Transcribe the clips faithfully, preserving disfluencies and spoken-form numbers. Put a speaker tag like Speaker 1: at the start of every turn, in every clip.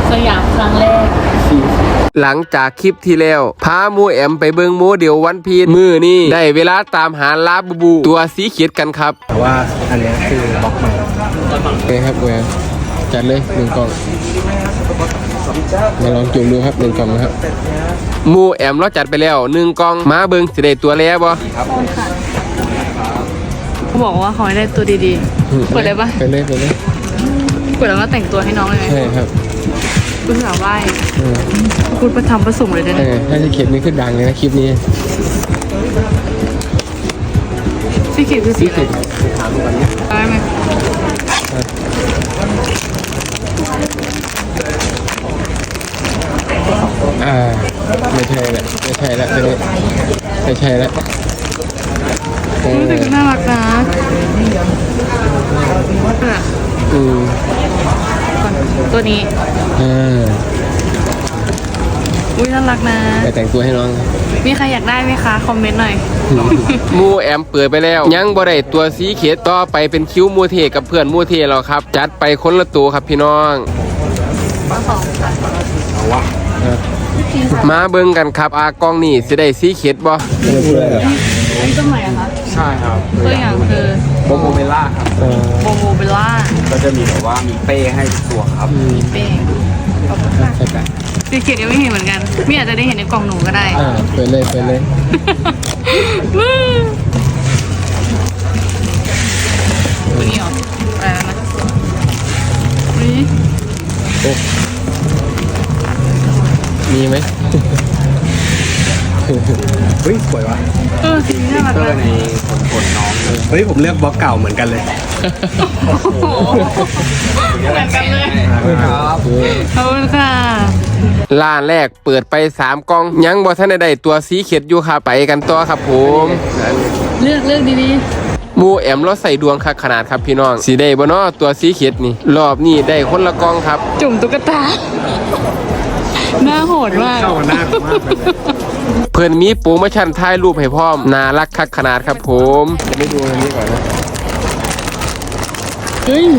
Speaker 1: สยามครั้งแรก
Speaker 2: หลังจากคลิปที่แล้วพาหมูแอมไปเบิงโมเดลวันพีชมือนี่ได้เวลาตามหาลาบูบูตัวสีเขียดกันครับ
Speaker 3: แต่ว่าอันนี้คือบล็อกใหม่
Speaker 2: โอเคครับแหวนจัดเลยหนึ่งกล่องมาลองจุ่มดูครับหนึ่งกล่องนะครับหมูแอมเราจัดไปแล้วหนึ่งกล่องมาเบิงสิได้ตัวแล้วบ่
Speaker 1: เขาบอกว่าเขาได้ตัวดีๆเปิดเลยปะ
Speaker 2: ไปเลยไปเลย
Speaker 1: เปิดแล้วก็แต่งตัวให้น้องเลยไหม
Speaker 2: ใช่ครับ
Speaker 1: คุณสาวไหว้คุณประทำประสงค์เลยนะ
Speaker 2: ถ้าจะเข็มนี้ขึ้นดังเลยนะคลิปนี้
Speaker 1: สีเขียวคือสีอะไร
Speaker 2: ถามกันเนี่ย
Speaker 1: ได้ไหม
Speaker 2: อ่าไม่ใช่แหละไม่ใช่แล้วตัวนี้ไม่ใช่แล้ว
Speaker 1: รู้สึกน่ารักนะ
Speaker 2: อืม
Speaker 1: ตัวนี้
Speaker 2: อ่า
Speaker 1: อุ้ยน่ารักนะ
Speaker 2: ไปแต่งตัวให้น้อง
Speaker 1: มีใครอยากได้ไหมคะคอมเมนต์หน่อย
Speaker 2: มูแอมเปิดไปแล้วยังบ่ได้ตัวสีเขียดต่อไปเป็นคิ้วมูเทกับเพื่อนมูเทแล้วครับจัดไปคนละตัวครับพี่น้องมาเบิ่งกันครับอากองนี่สิได้สีเขียดบ่
Speaker 1: อันนี้ตัวใหม่อะคะ
Speaker 3: ใช่ครับ
Speaker 1: ตัวอย่างคือ
Speaker 3: โบโมเบล่าครับ
Speaker 1: โบโมเบล่า
Speaker 3: ก็จะมีแบบว่ามีเป้ให้ตัวครับ
Speaker 1: มีเป้ขอบคุณค่ะสีเขียดยังไม่เห็นเหมือนกันไม่อาจจะได้เห็นในกล่องหนูก็ได้
Speaker 2: อ่าเปิดเลยเปิดเลย
Speaker 1: ตัวนี้เหรออะไรนะนี่
Speaker 2: มีไหม
Speaker 3: เฮ้ยสวยว่ะ
Speaker 1: เออสีน่ารักเลย
Speaker 3: ในขนขนน้องเฮ้ยผมเลือกบล็อกเก่าเหมือนกันเลย
Speaker 1: เหมือนกันเลย
Speaker 3: ครับ
Speaker 1: ขอบคุณค่ะ
Speaker 2: ร้านแรกเปิดไปสามกล่องยังบ่ทันได้ตัวสีเขียดอยู่ครับไปกันต่อครับผม
Speaker 1: เลือกเลือกดี
Speaker 2: ๆมูแอมเราใส่ดวงคักขนาดครับพี่น้องสีได้บ่เนาะตัวสีเขียดนี่รอบนี้ได้คนละกล่องครับ
Speaker 1: จุ่มตุ๊กตาหน้าโหดมาก
Speaker 3: เข้าหน้ามากเลย
Speaker 2: เพื่อนมีโปรโมชั่นถ่ายรูปให้พร้อมน่ารักคักขนาดครับผมจะไม่ดูอันนี้ก่อนนะ
Speaker 1: เฮ้ย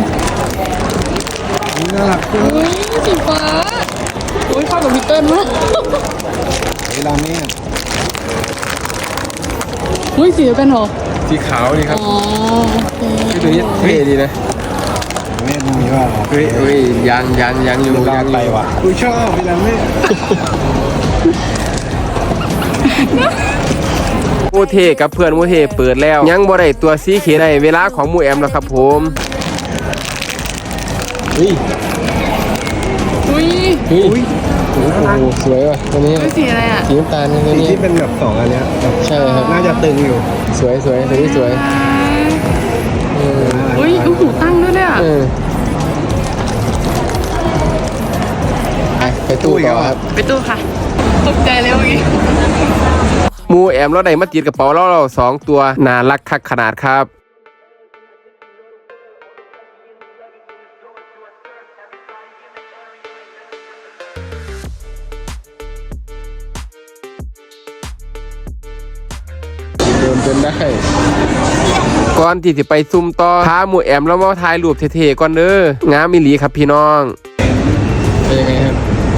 Speaker 3: น่ารัก
Speaker 1: เฮ้ยสีฟ้าโอ้ยเข้ากับมิเติ้ลมาก
Speaker 3: เวลาแม่
Speaker 1: เฮ้ยสีเดียวกันเหรอ
Speaker 2: สีขาวนี่ครับ
Speaker 1: อ๋อโอเค
Speaker 2: ตัวนี้เท่ดีนะ
Speaker 3: แม่ดูมีว่า
Speaker 2: เฮ้ยเฮ้ยยังยังยังอยู่
Speaker 3: ยังไปว่ะกูชอบเวลาแม่
Speaker 2: มูเทกับเพื่อนมูเทเปิดแล้วยังบ่ได้ตัวสีเขียดได้เวลาของมูแอมแล้วครับผมเฮ้ย
Speaker 1: อุ้ย
Speaker 2: อุ้ยโอ้โหสวยว่ะตัวนี้
Speaker 1: สีอะไรอ่ะ
Speaker 2: สีน้ำตาลตัวนี้
Speaker 3: ที่เป็นแบบสองอันเนี้ย
Speaker 2: ใช่ครับ
Speaker 3: น่าจะตึงอยู่
Speaker 2: สวยสวยตัวนี้สวย
Speaker 1: อุ้ยหูตั้งด้วยเนี่ย
Speaker 2: ไปตู้ต่อครับ
Speaker 1: ไปตู้ค่ะตกใจเลยเมื่อกี้
Speaker 2: มูแอมเราได้มาติดกระเป๋าเราเราสองตัวน่ารักคักขนาดครับเดินจนได้ก่อนที่จะไปซุ่มต่อพาหมูแอมแล้วมาถ่ายรูปเท่ๆก่อนเด้องามมิลีครับพี่น้องเป็นยังไงครับ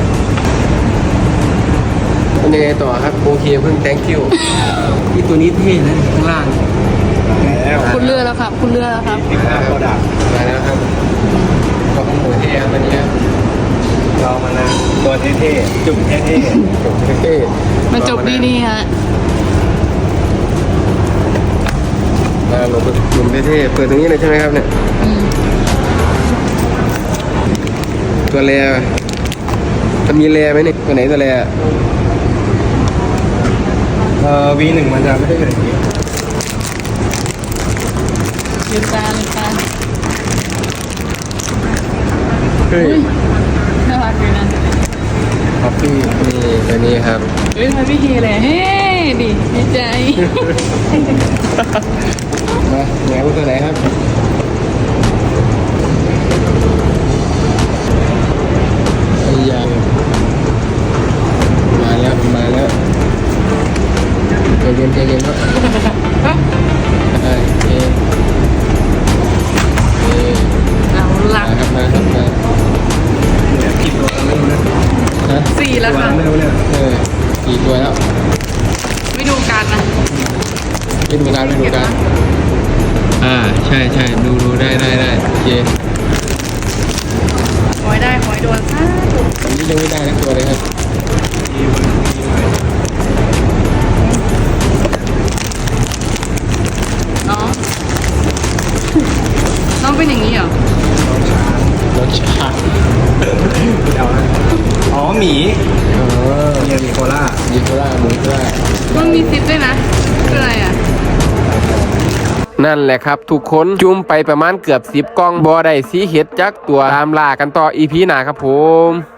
Speaker 2: เป็นยังไงต่อครับโอเคเพิ่ง thank you ที่ตัวนี้เท่นะข้างล่าง
Speaker 1: คุณเลือกแล้วครับคุณเลือกแล้วครับ
Speaker 3: ที่ข้างโปรดักต์
Speaker 2: มาแล้วครับขอบคุณหมูเท่ครับวันนี้
Speaker 3: เรามานะตัวเท่ๆจุ่มเท่ๆ
Speaker 2: จุ่มเท่
Speaker 1: ๆมาจบดีๆฮะ
Speaker 2: มาลงลงเท่ๆเปิดตรงนี้เลยใช่ไหมครับเนี่ยตัวแร่มันมีแร่ไหมเนี่ยตัวไหนตัวแร่
Speaker 3: เอ่อ วี หนึ่ง มันจะไม่ได้แบบนี้
Speaker 1: ลืมตาลืมตา
Speaker 2: เฮ้ย
Speaker 1: น่ารักเลยนะ
Speaker 2: คอฟฟี่นี่ตัวนี้ครับ
Speaker 1: เฮ้ยทำพี่เฮเลยเฮ้ดิดีใจ
Speaker 2: มาแหนวตัวไหนครับไอ้ยามาแล้วมาแล้วใจเย็นใจเย็นครับโอเค
Speaker 1: เอาละ
Speaker 2: มาครับมาครับมา
Speaker 3: เนี่ยกินตัวแล้วไม่รู้
Speaker 1: แล้วค่ะ
Speaker 3: ไม่รู้เนี่ย
Speaker 2: เออกี่ตัวแล้ว
Speaker 1: ไม่ดูกันนะ
Speaker 2: ไม่ดูการไม่ดูการอ่าใช่ใช่ดูดูได้ได้ได้โอเค
Speaker 1: ขอให้ได้ขอให้โดนซะ
Speaker 2: ตอนนี้ยังไม่ได้นะตัวเลยครับ
Speaker 1: น้องน้องเป็นอย่างนี้เหรอ
Speaker 2: รสชาติ
Speaker 3: เอานะอ๋อหมี
Speaker 2: เออ
Speaker 3: เมียหมีโคล่า
Speaker 2: ยีโคราหมูโครา
Speaker 1: มันมีซิปด้วยนะคืออะไรอ่ะ
Speaker 2: นั่นแหละครับทุกคนจุ่มไปประมาณเกือบสิบกล่องบอได้สีเห็ดจักตัวตามล่ากันต่ออีพีหน้าครับผม